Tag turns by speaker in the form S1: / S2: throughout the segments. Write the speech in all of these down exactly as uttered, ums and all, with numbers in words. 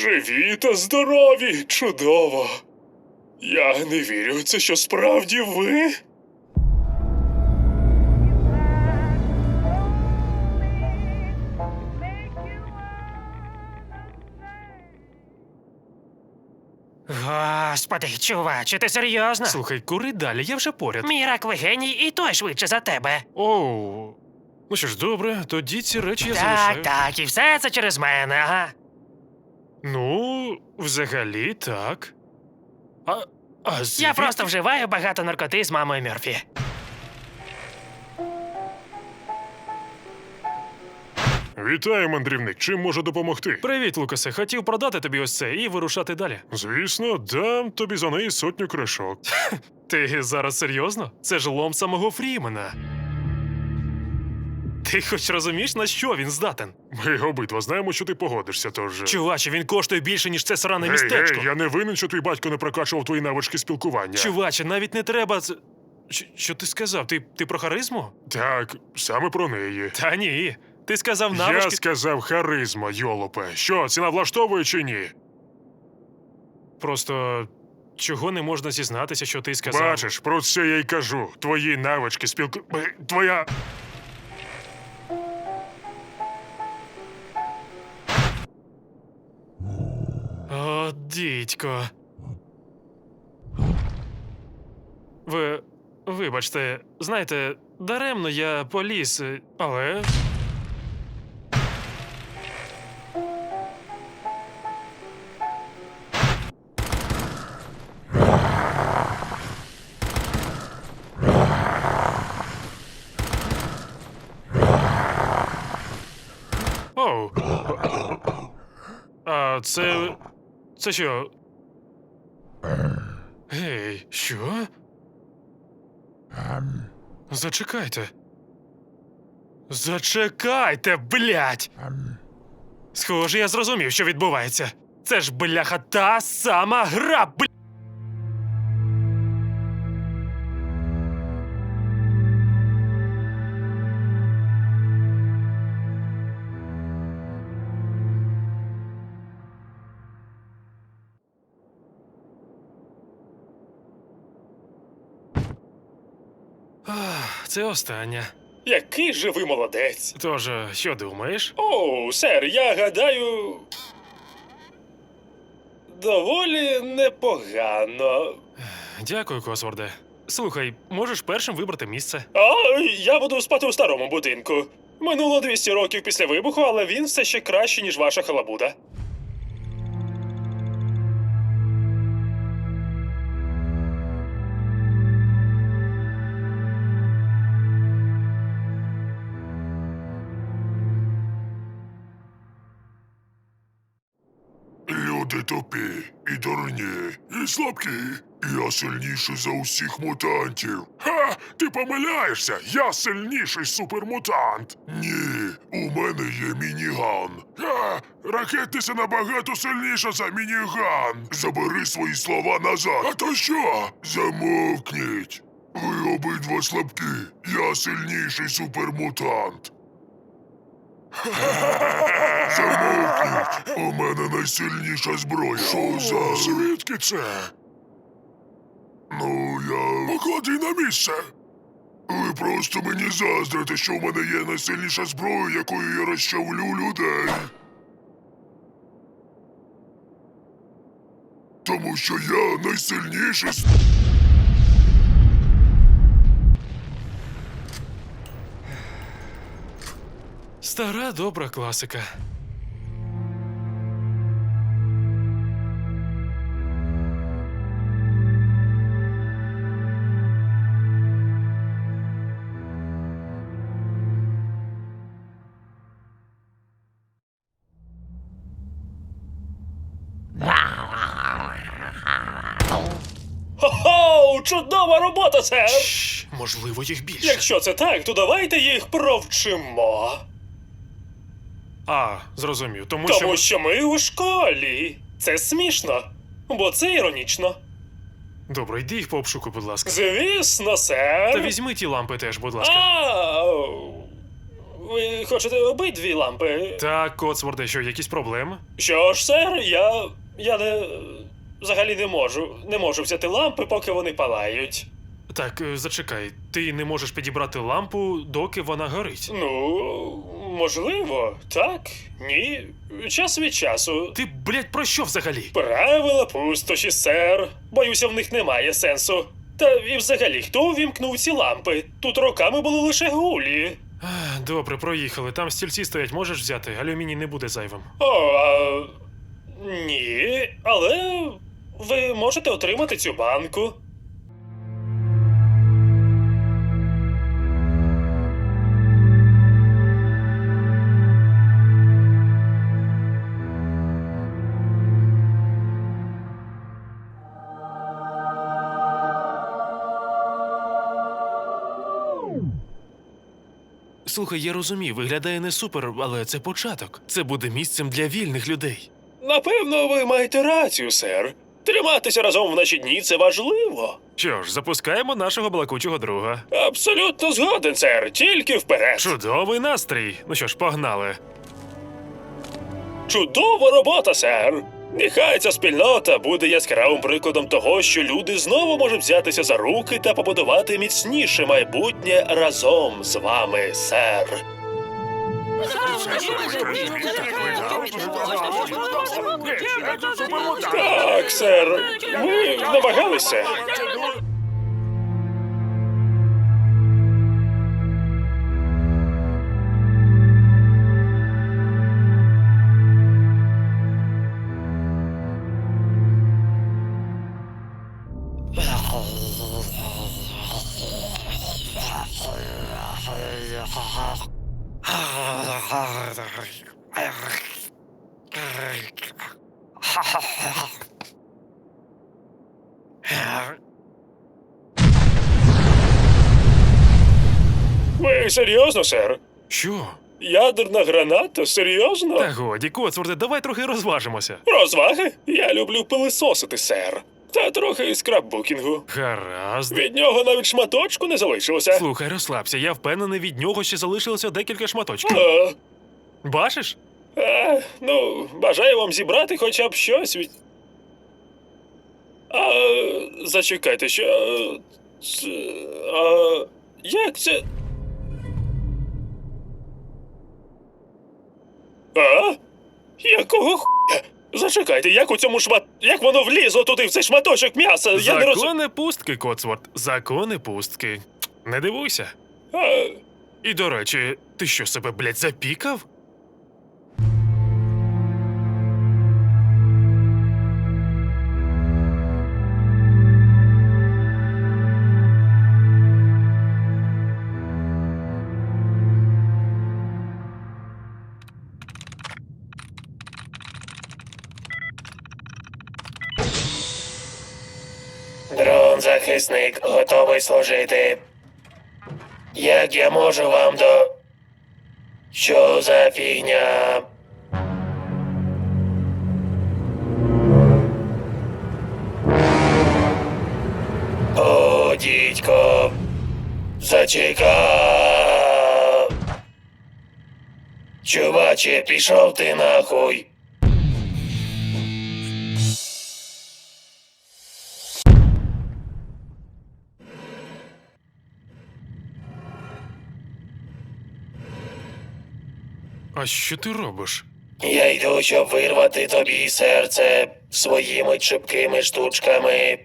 S1: Живі та здорові! Чудово! Я не вірю, це що справді ви?
S2: Господи, чуваче, ти серйозно?
S3: Слухай, кури далі, я вже поряд.
S2: Мій раковий геній і той швидше за тебе.
S3: Оу. Ну що ж, добре, тоді ці речі я
S2: Так,
S3: залишаю.
S2: так, і все це через мене, ага.
S3: Ну, взагалі, так. А, а звідки?
S2: Я просто вживаю багато наркоти з мамою Мёрфі.
S1: Вітаю, мандрівник. Чим можу допомогти?
S3: Привіт, Лукасе. Хотів продати тобі ось це і вирушати далі.
S1: Звісно, дам тобі за неї сотню кришок.
S3: Ти зараз серйозно? Це ж лом самого Фрімена. Ти хоч розумієш, на що він здатен?
S1: Ми обидва знаємо, що ти погодишся, тож...
S3: Чуваче, він коштує більше, ніж це сране
S1: Гей,
S3: містечко.
S1: гей, я не винен, що твій батько не прокачував твої навички спілкування.
S3: Чуваче, навіть не треба... це- Щ- Що ти сказав? Ти, ти про харизму?
S1: Так, саме про неї.
S3: Та ні. Ти сказав
S1: Я
S3: навички...
S1: сказав харизма, йолопе. Що, ціна влаштовує чи ні?
S3: Просто... Чого не можна зізнатися, що ти сказав?
S1: Бачиш, про це я й кажу. Твої навички спілку... Е, Твоя...
S3: О, дідько. Ви... Вибачте, знаєте, даремно я поліз, е, але... Оу. А це... Це що? Гей, що? Зачекайте. Зачекайте, блядь! Схоже, я зрозумів, що відбувається. Це ж, бляха, та сама гра, бля... Ах, це остання.
S1: Який же ви молодець.
S3: Тож, що думаєш?
S1: О, сер, я гадаю... Доволі непогано.
S3: Дякую, Косворде. Слухай, можеш першим вибрати місце?
S1: А, я буду спати у старому будинку. Минуло двісті років після вибуху, але він все ще краще, ніж ваша халабуда.
S4: Люди тупі, і дурні, і слабкі. Я сильніший за усіх мутантів. Ха! Ти помиляєшся! Я сильніший супермутант! Ні, у мене є мініган. Ха! Ракетниця набагато сильніша за мініган. Забери свої слова назад. А то що? Замовкніть. Ви обидва слабкі. Я сильніший супермутант. Замовкніть! У мене найсильніша зброя. Що за... Звідки це? Ну, я... Поклади на місце! Ви просто мені заздрите, що в мене є найсильніша зброя, якою я розчавлю людей. Тому що я найсильніший... с-
S3: Стара добра класика.
S1: Хо-хо! Чудова робота, сер!
S3: Шш, можливо, їх більше.
S1: Якщо це так, то давайте їх провчимо.
S3: А, зрозумів. Тому,
S1: Тому
S3: що...
S1: що ми у школі. Це смішно, бо це іронічно.
S3: Добре, йди їх по обшуку, будь ласка.
S1: Звісно, сер.
S3: Та візьми ті лампи теж, будь ласка.
S1: А, ви хочете обидві лампи?
S3: Так, Коцворде, що, якісь проблеми?
S1: Що ж, сер, я. я не. взагалі не можу. Не можу взяти лампи, поки вони палають.
S3: Так, е, зачекай, ти не можеш підібрати лампу, доки вона горить.
S1: Ну, можливо, так, ні. Час від часу.
S3: Ти, блядь, про що взагалі?
S1: Правила пустоші, сер. Боюся, в них немає сенсу. Та і взагалі, хто увімкнув ці лампи? Тут роками були лише гулі.
S3: Ах, добре, проїхали. Там стільці стоять, можеш взяти, алюміній не буде зайвим.
S1: О, а... ні, але ви можете отримати цю банку.
S3: Слухай, я розумію, виглядає не супер, але це початок. Це буде місцем для вільних людей.
S1: Напевно, ви маєте рацію, сер. Триматися разом в наші дні це важливо.
S3: Що ж, запускаємо нашого балакучого друга.
S1: Абсолютно згоден, сер. Тільки вперед.
S3: Чудовий настрій. Ну що ж, погнали.
S1: Чудова робота, сер. Нехай ця спільнота буде яскравим прикладом того, що люди знову можуть взятися за руки та побудувати міцніше майбутнє разом з вами, сер. Так, сер. Ми намагалися. Ви серйозно, сер?
S3: Що?
S1: Ядерна граната? Серйозно?
S3: Та годі, Коцворде, давай трохи розважимося.
S1: Розваги? Я люблю пилисосити, сер. Та трохи скраббукінгу.
S3: Гаразд.
S1: Від нього навіть шматочку не залишилося.
S3: Слухай, розслабся, я впевнений, від нього ще залишилося декілька шматочків.
S1: А,
S3: Бачиш?
S1: а, ну, бажаю вам зібрати хоча б щось від. А, зачекайте, що. Це, а, як це. А? Якого хуя? Зачекайте, як у цьому шмат. Як воно влізло туди в цей шматочок м'яса? Я не розумію.
S3: Закони пустки, Коцворд. Закони пустки. Не дивуйся.
S1: А,
S3: І до речі, ти що себе, блядь, запікав?
S1: Дрон-захисник готовий служити. Як я можу вам до. Що за фігня? О, дідько. Зачекав. Чуваче, пішов ти нахуй.
S3: А що ти робиш?
S1: Я йду, щоб вирвати тобі серце своїми чіпкими штучками.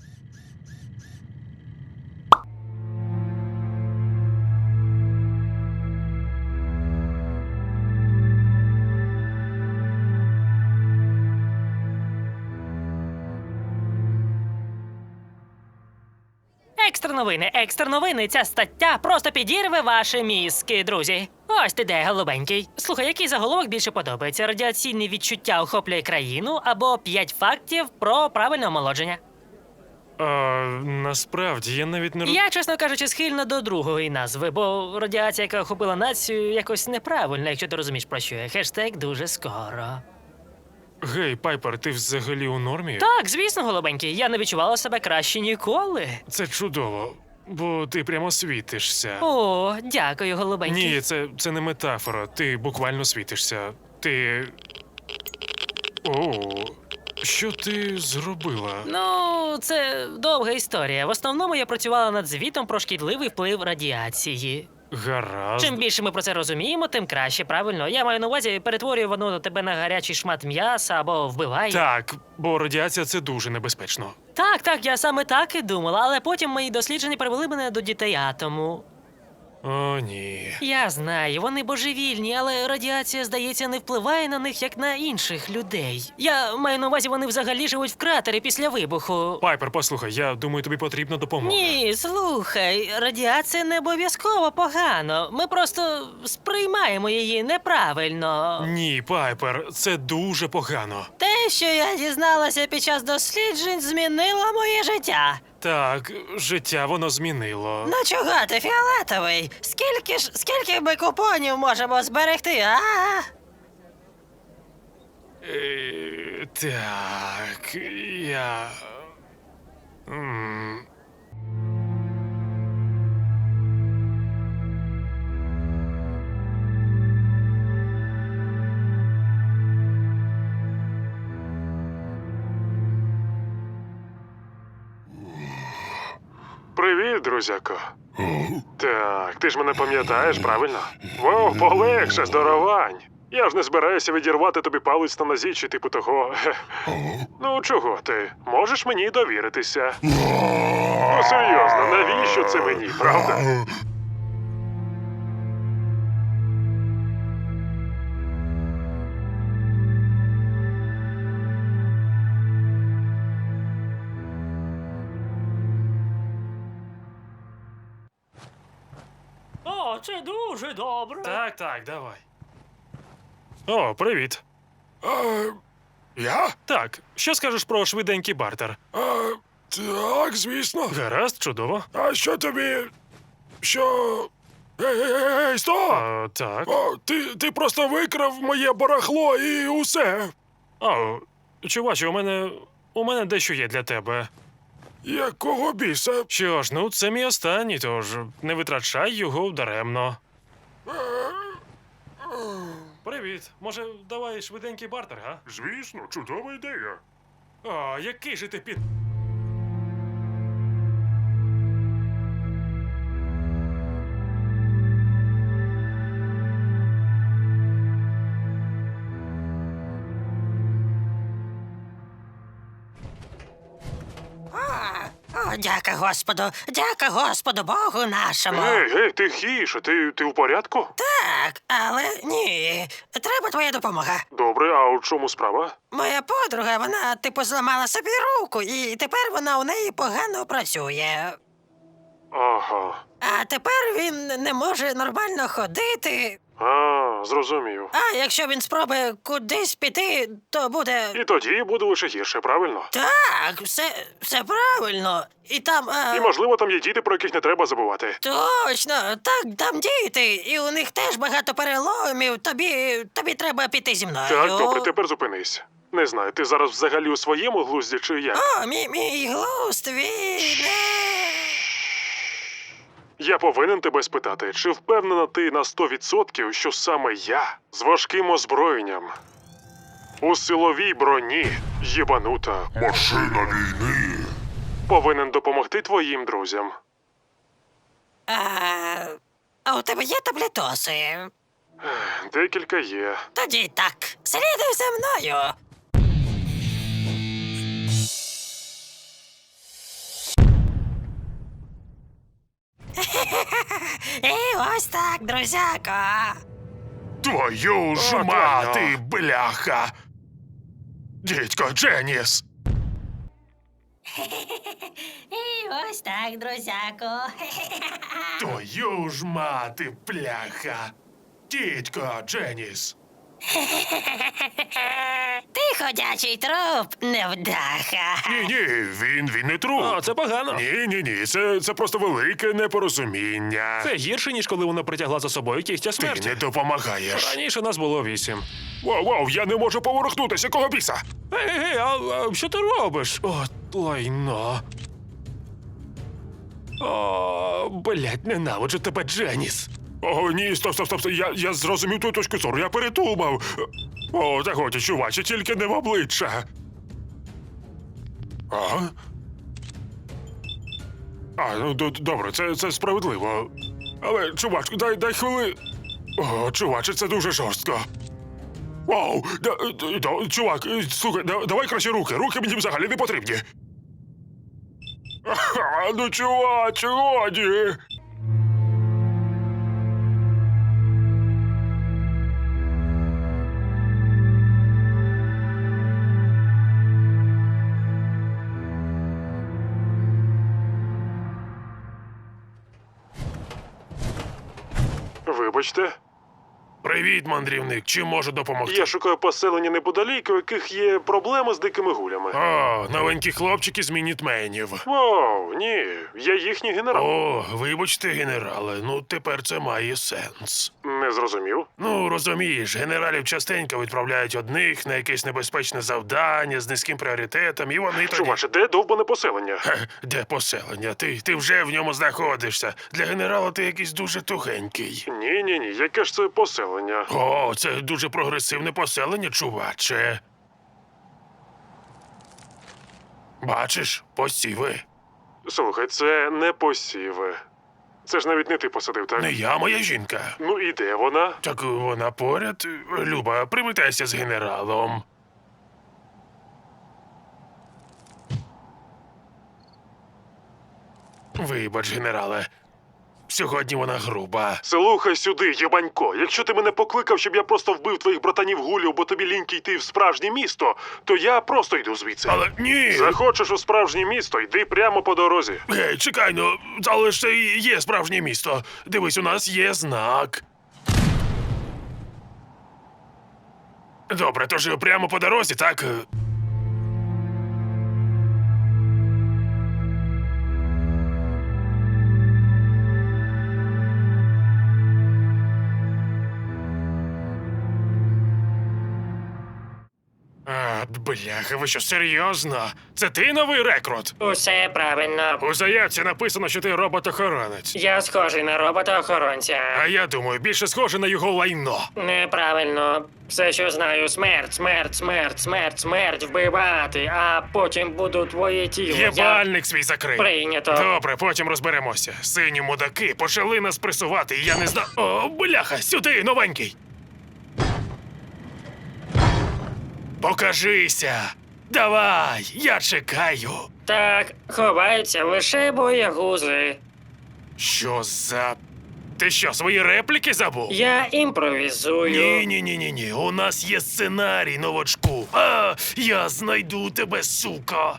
S2: Екстра новини, екстра новини. Ця стаття просто підірве ваші мізки, друзі. Ось ти де, голубенький. Слухай, який заголовок більше подобається? Радіаційне відчуття охоплює країну або п'ять фактів про правильне омолодження.
S3: А, насправді, я навіть не роз...
S2: Я, чесно кажучи, схильна до другої назви, бо радіація, яка охопила націю, якось неправильна, якщо ти розумієш, про що я. Хештег дуже скоро.
S3: Гей, Пайпер, ти взагалі у нормі?
S2: Так, звісно, голубенький, я не відчувала себе краще ніколи.
S3: Це чудово. бо ти прямо світишся.
S2: О, дякую, голубенький.
S3: Ні, це, це не метафора. Ти буквально світишся. Ти. О, що ти зробила?
S2: Ну, це довга історія. В основному я працювала над звітом про шкідливий вплив радіації.
S3: Гаразд.
S2: Чим більше ми про це розуміємо, тим краще, правильно. Я маю на увазі, перетворює воно тебе на гарячий шмат м'яса або вбиває.
S3: Так, бо радіація це дуже небезпечно.
S2: Так, так, я саме так і думала, але потім мої дослідження привели мене до дітей атому.
S3: О, ні.
S2: Я знаю, вони божевільні, але радіація, здається, не впливає на них, як на інших людей. Я маю на увазі, вони взагалі живуть в кратері після вибуху.
S3: Пайпер, послухай, я думаю, тобі потрібна допомога.
S2: Ні, слухай, радіація не обов'язково погано. Ми просто сприймаємо її неправильно.
S3: Ні, Пайпер, це дуже погано.
S2: Те, що я дізналася під час досліджень, змінило моє життя.
S3: Так, життя воно змінило.
S2: Ну чого ти фіолетовий? Скільки ж скільки ми купонів можемо зберегти, а?
S3: Е, так, я. М. Привіт, друзяко. Так, ти ж мене пам'ятаєш, правильно? Воу, полегше, здоровань. Я ж не збираюся відірвати тобі палець на нозі чи типу того. Ну, чого ти? Можеш мені довіритися? Ну, серйозно, навіщо це мені, правда?
S2: О, це дуже добре.
S3: Так, так, давай. О, привіт.
S4: А, я?
S3: Так, що скажеш про швиденький бартер?
S4: А, так, звісно.
S3: Гаразд, чудово.
S4: А що тобі. Що. Ей, ей, ей, ей, стоп!
S3: А, так.
S4: О, ти, ти просто викрав моє барахло і усе.
S3: О, чуваче, у мене. У мене дещо є для тебе.
S4: Якого біса?
S3: Що ж, ну це мій останній, тож не витрачай його даремно. Привіт. Може, давай швиденький бартер, га?
S4: Звісно, чудова ідея.
S3: О, який же ти під.
S2: О, дяка Господу, дяка Господу Богу нашому.
S3: Гей, гей, тихіше, ти, ти в порядку?
S2: Так, але ні. Треба твоя допомога.
S3: Добре, а у чому справа?
S2: Моя подруга, вона типу зламала собі руку, і тепер вона у неї погано працює.
S3: Ага.
S2: А тепер він не може нормально ходити.
S3: А, зрозумів.
S2: А якщо він спробує кудись піти, то буде.
S3: І тоді буде лише гірше, правильно?
S2: Так, все, все правильно. І там. А...
S3: І, можливо, там є діти, про яких не треба забувати.
S2: Точно, так, там діти, і у них теж багато переломів. Тобі, тобі треба піти зі мною.
S3: Так, добре, тепер зупинись. Не знаю, ти зараз взагалі у своєму глузді чи як?
S2: О, мій, мій глузд, він...
S3: Я повинен тебе спитати, чи впевнена ти на сто відсотків, що саме я з важким озброєнням у силовій броні єбанута
S4: Машина війни.
S3: повинен допомогти твоїм друзям?
S2: А, а у тебе є таблетоси?
S3: Декілька є.
S2: Тоді так, слідуй за мною. І ось так, друзяко.
S4: Твою ж
S3: О,
S4: мати,
S3: Тоня.
S4: бляха. Дідько Дженіс.
S2: І ось так, друзяко.
S4: Твою ж мати, бляха. Дідько Дженіс.
S2: Ти ходячий труп, невдаха.
S4: Ні, ні, він, він не труп.
S3: О, це погано.
S4: Ні, ні, ні, це, це просто велике непорозуміння.
S3: Це гірше, ніж коли вона притягла за собою кігтя
S4: Ти
S3: смерті.
S4: не допомагаєш.
S3: Раніше нас було вісім.
S4: Вау, вау, я не можу поворухнутися, кого біса?
S3: Ей, ей, а, а що ти робиш? О, лайно.
S1: О, блядь, ненавиджу тебе, Дженіс.
S3: О, ні, стоп, стоп, стоп, стоп. Я, я зрозумів твою точку зору, я передумав. О, та годі, чуваче, тільки не в обличчя. А? А, ну д- добре, це, це справедливо. Але, чувачку, дай, дай хвили. О, чуваче, це дуже жорстко. Вау, да, да, да, чувак, е, слухай, да, давай краще руки. Руки мені взагалі не потрібні. Ага, ну, чуваче, годі. Вибачте.
S1: Привіт, мандрівник. Чим можу допомогти?
S3: Я шукаю поселення неподалік, у яких є проблеми з дикими гулями.
S1: О, новенькі хлопчики з мінітменів.
S3: Вау, ні, я їхній генерал.
S1: О, вибачте, генерале, ну тепер це має сенс.
S3: Не зрозумів.
S1: Ну, розумієш, генералів частенько відправляють одних на якесь небезпечне завдання з низьким пріоритетом, і вони тоді...
S3: Чуваче, де довбане поселення?
S1: Хе, де поселення? Ти, ти вже в ньому знаходишся. Для генерала ти якийсь дуже тугенький.
S3: Ні, ні, ні, яке ж це поселення?
S1: О, це дуже прогресивне поселення, чуваче. Бачиш, посіви.
S3: Слухай, це не посіви. Це ж навіть не ти посадив, так?
S1: Не я, моя жінка.
S3: Ну і де вона?
S1: Так вона поряд. Люба, привітайся з генералом. Вибач, генерале. Сьогодні вона груба.
S3: Слухай сюди, єбанько. Якщо ти мене покликав, щоб я просто вбив твоїх братанів гулів, бо тобі ліньки йти в справжнє місто, то я просто йду звідси.
S1: Але ні!
S3: Захочеш у справжнє місто, йди прямо по дорозі.
S1: Гей, чекай, ну, але ж це і є справжнє місто. Дивись, у нас є знак. Добре, тож прямо по дорозі, так? А, бляха, ви що, серйозно? Це ти новий рекрут?
S2: Усе правильно.
S1: У заявці написано, що ти робот-охоронець.
S2: Я схожий на робота-охоронця.
S1: А я думаю, більше схоже на його лайно.
S2: Неправильно. Все, що знаю, смерть, смерть, смерть, смерть, смерть, вбивати, а потім буду твоє тіло. Я...
S1: Єбальник свій закрий.
S2: Прийнято.
S1: Добре, потім розберемося. Сині мудаки почали нас пресувати, і я не знав. О, бляха, сюди, новенький. Покажися. Давай, я чекаю.
S2: Так, ховаються лише боягузи.
S1: Що за. Ти що, свої репліки забув?
S2: Я імпровізую.
S1: Ні, ні, ні, ні, ні. У нас є сценарій, новачку. А, я знайду тебе, сука.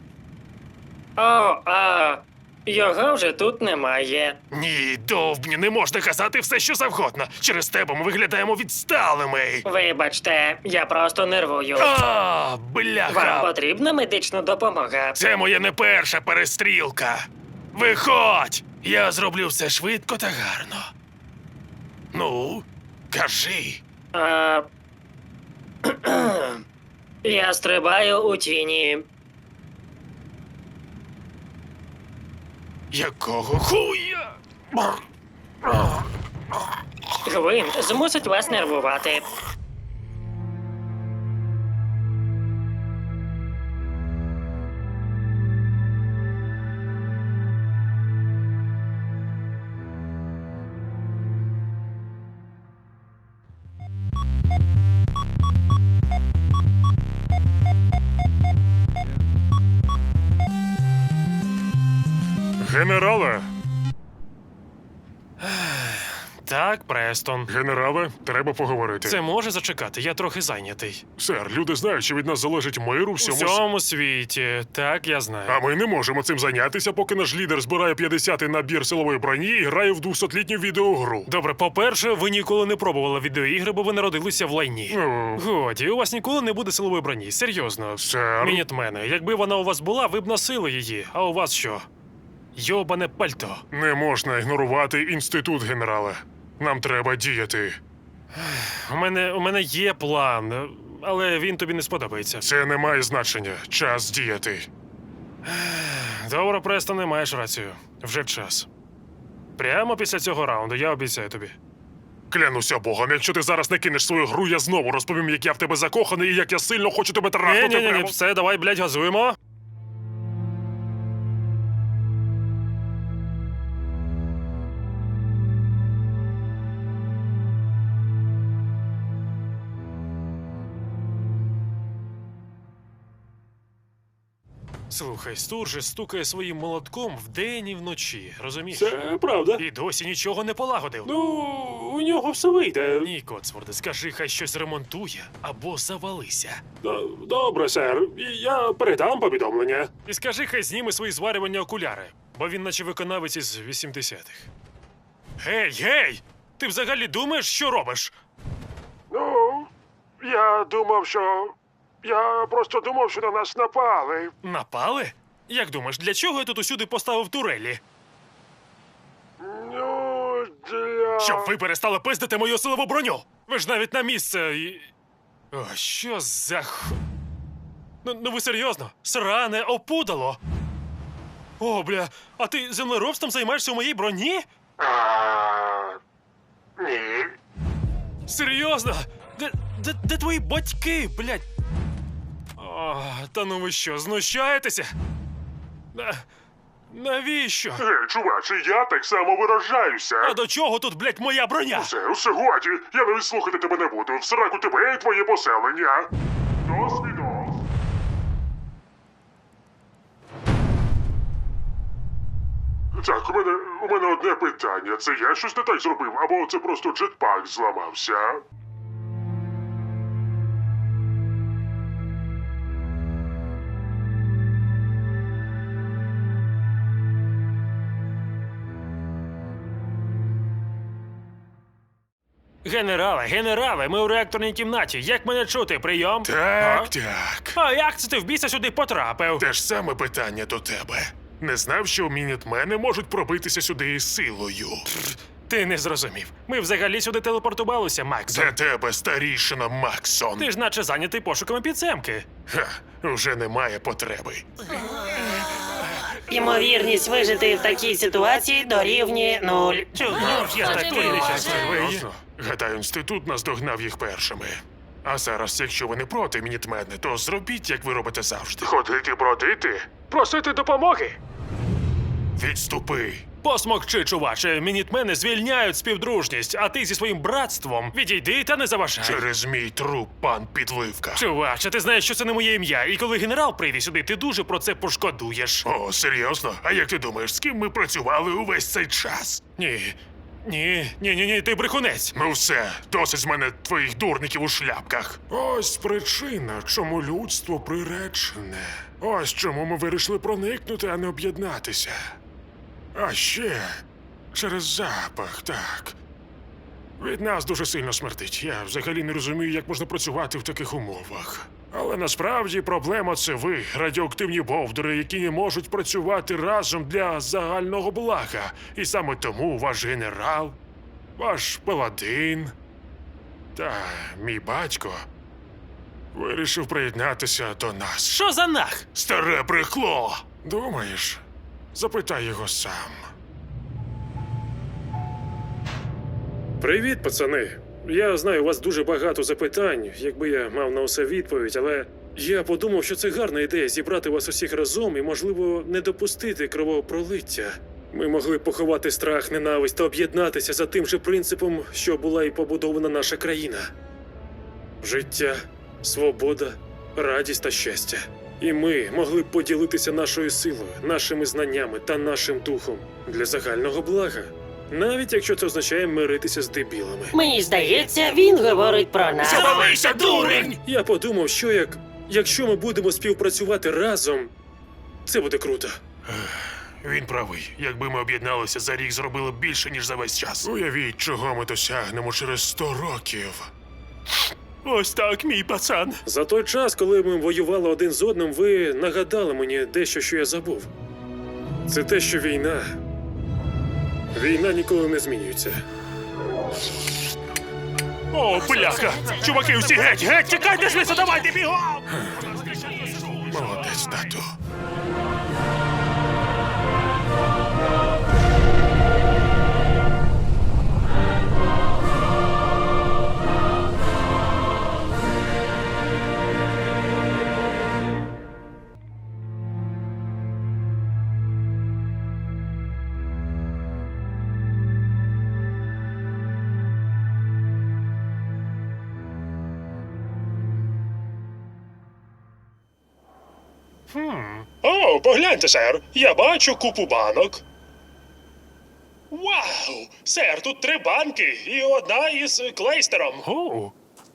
S2: О, а його вже тут немає.
S1: Ні, довбні, не можна казати все, що завгодно. Через тебе ми виглядаємо відсталими.
S2: Вибачте, я просто нервую.
S1: А,
S2: Вам
S1: бляха.
S2: потрібна медична допомога?
S1: Це моя не перша перестрілка. Виходь! Я зроблю все швидко та гарно. Ну, кажи.
S2: А... Я стрибаю у тіні.
S1: Якого хуя?
S2: Гвинт змусить вас нервувати.
S3: Генерале!
S1: Так, Престон.
S3: Генерале, треба поговорити.
S1: Це може зачекати, я трохи зайнятий.
S3: Сер, люди знають, що від нас залежить мир у
S1: У
S3: всьому с-
S1: всьому світі, так я знаю.
S3: А ми не можемо цим зайнятися, поки наш лідер збирає п'ятдесятий набір силової броні і грає в двохсотлітню відеогру.
S1: Добре, по-перше, ви ніколи не пробували відеоігри, бо ви народилися в лайні.
S3: Ну,
S1: Годі, у вас ніколи не буде силової броні, серйозно.
S3: сер.
S1: Мінітмени, якби вона у вас була, ви б носили її, а у вас що? Йобане пальто.
S3: Не можна ігнорувати інститут, генерале. Нам треба діяти.
S1: У мене, у мене є план, але він тобі не сподобається.
S3: Це не має значення. Час діяти. Добре, Престоне, маєш рацію. Вже час. Прямо після цього раунду, я обіцяю тобі.
S4: Клянуся Богом, якщо ти зараз не кинеш свою гру, я знову розповім, як я в тебе закоханий і як я сильно хочу тебе трахнути.
S3: Ні, ні, ні, ні,
S4: прямо.
S3: все, давай, блядь, газуємо. Слухай, Стуржес стукає своїм молотком вдень і вночі, розумієш?
S1: Це правда.
S3: І досі нічого не полагодив.
S1: Ну, у нього все вийде.
S3: Ні, Коцворде, скажи, хай щось ремонтує або завалися.
S1: Д- Добре, сер. Я передам повідомлення.
S3: І скажи, хай зніме свої зварювання окуляри, бо він наче виконавець із вісімдесятих. Гей, гей! Ти взагалі думаєш, що робиш? Ну, я думав, що. Я просто думав, що на нас напали. Напали? Як думаєш, для чого я тут усюди поставив турелі?
S4: Ну, для...
S3: Щоб ви перестали пиздити мою силову броню! Ви ж навіть на місце і. О, що за х... Ну, ну ви серйозно? Сране опудало! О, бля, а ти землеробством займаєшся у моїй броні?
S4: А... Ні.
S3: Серйозно? Де, де, де твої батьки, блядь? О, та ну ви що, знущаєтеся? На... Навіщо?
S4: Гей, чуваче, я так само виражаюся.
S3: А до чого тут, блядь, моя броня?
S4: Усе, усе годі. Я навіть слухати тебе не буду. В сраку тебе і твоє поселення. Досвідос. Так, у мене, у мене одне питання. Це я щось не так зробив, або це просто джетпак зламався?
S3: Генерале, генерале, ми у реакторній кімнаті. Як мене чути? Прийом?
S4: Так,
S3: А?
S4: так.
S3: А як це ти в біса сюди потрапив?
S4: Те ж саме питання до тебе. Не знав, що мінітмени можуть пробитися сюди із силою.
S3: Ти не зрозумів. Ми взагалі сюди телепортувалися, Максон.
S4: Для тебе, старішина Максон.
S3: Ти ж наче зайнятий пошуками підземки.
S4: Ха, вже немає потреби.
S5: Ймовірність вижити в такій ситуації дорівнює нуль.
S3: Чого ж я такий нещасливий?
S4: Серйозно? Гадаю, інститут наздогнав їх першими. А зараз, якщо ви не проти, мінітмени, то зробіть, як ви робите завжди. Ходити бродити?
S3: Просити допомоги?
S4: Відступи.
S3: Посмокчи, чуваче, мінітмени звільняють співдружність, а ти зі своїм братством відійди та не заважай.
S4: Через мій труп, пан Підливка.
S3: Чуваче, ти знаєш, що це не моє ім'я, і коли генерал прийде сюди, ти дуже про це пошкодуєш.
S4: О, серйозно? А як ти думаєш, з ким ми працювали увесь цей час?
S3: Ні. Ні, ні, ні, ні, ти брехунець.
S4: Ну все, досить з мене твоїх дурників у шляпках. Ось причина, чому людство приречене. Ось чому ми вирішили проникнути, а не об'єднатися. А ще через запах, так. Від нас дуже сильно смердить. Я взагалі не розумію, як можна працювати в таких умовах. Але насправді проблема це ви, радіоактивні бовдури, які не можуть працювати разом для загального блага. І саме тому ваш генерал, ваш паладин та мій батько вирішив приєднатися до нас.
S3: Що за нах?
S4: Старе брехло! Думаєш? Запитай його сам.
S6: Привіт, пацани. Я знаю, у вас дуже багато запитань, якби я мав на усе відповідь, але я подумав, що це гарна ідея зібрати вас усіх разом і, можливо, не допустити кровопролиття. Ми могли поховати страх, ненависть та об'єднатися за тим же принципом, що була і побудована наша країна. Життя, свобода, радість та щастя. І ми могли б поділитися нашою силою, нашими знаннями та нашим духом для загального блага. Навіть якщо це означає миритися з дебілами.
S5: Мені здається, він говорить про нас.
S4: Завалися, дурень!
S6: Я подумав, що як якщо ми будемо співпрацювати разом, це буде круто.
S4: Він правий. Якби ми об'єдналися за рік, зробили б більше, ніж за весь час. Уявіть, чого ми досягнемо через сто років.
S3: Ось так, мій пацан.
S6: За той час, коли ми воювали один з одним, ви нагадали мені дещо, що я забув. Це те, що війна. Війна ніколи не змінюється.
S3: О, бляха! Чуваки, усі геть, геть, тікайте звідси, давайте бігом!
S4: Молодець, тату.
S1: О, погляньте, сер, я бачу купу банок. Вау! Сер, тут три банки і одна із клейстером.
S6: О,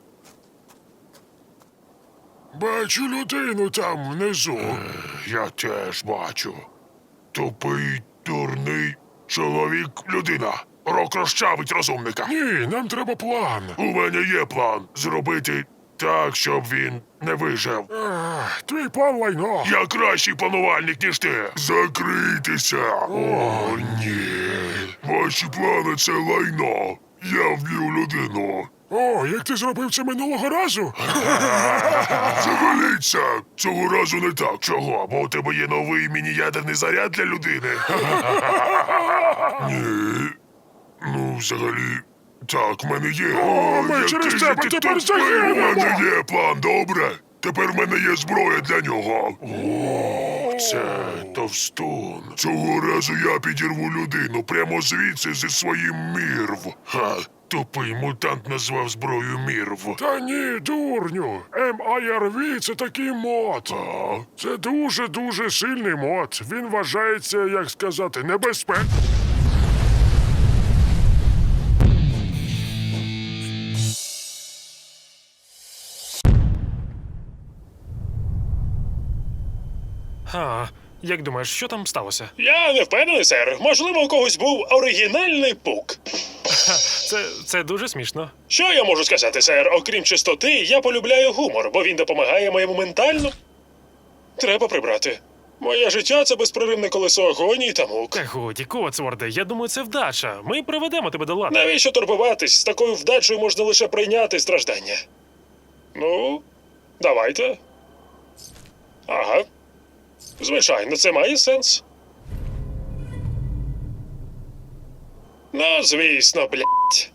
S4: Бачу людину там внизу. Я теж бачу. Тупий, дурний чоловік, людина. Рок розчавить розумника. Ні, нам треба план. У мене є план. Зробити так, щоб він не вижив. Твій план лайно. Я кращий планувальник, ніж ти. Закрийтеся. О, ні. Ваші плани — це лайно. Я вб'ю людину. О, як ти зробив це минулого разу? Заваліться! Цього разу не так. Чого? Бо у тебе є новий міні-ядерний заряд для людини? Ні. Ну, взагалі, так, в мене є. О, ми
S3: який
S4: через
S3: же
S4: тебе
S3: ти
S4: тепер
S3: тупий,
S4: загинемо! У мене є план, добре? Тепер в мене є зброя для нього. О, це товстун. Цього разу я підірву людину прямо звідси зі своїм мірв. Ха, тупий мутант назвав зброю мірв. Та ні, дурню. ем ай ар ві — це такий мод. А? Це дуже-дуже сильний мод. Він вважається, як сказати, небезпечним.
S6: а, як думаєш, що там сталося?
S1: Я не впевнений, сер. Можливо, у когось був оригінальний пук.
S6: Це, це дуже смішно.
S1: Що я можу сказати, сер? Окрім чистоти, я полюбляю гумор, бо він допомагає моєму ментально. Треба прибрати. Моє життя — це безпроривне колесо агонії та мук.
S6: Та годі, Коцворде, я думаю, це вдача. Ми приведемо тебе до ладу.
S1: Навіщо турбуватись? З такою вдачею можна лише прийняти страждання. Ну, давайте. Ага. Звичайно, це має сенс. Ну, звісно, блядь.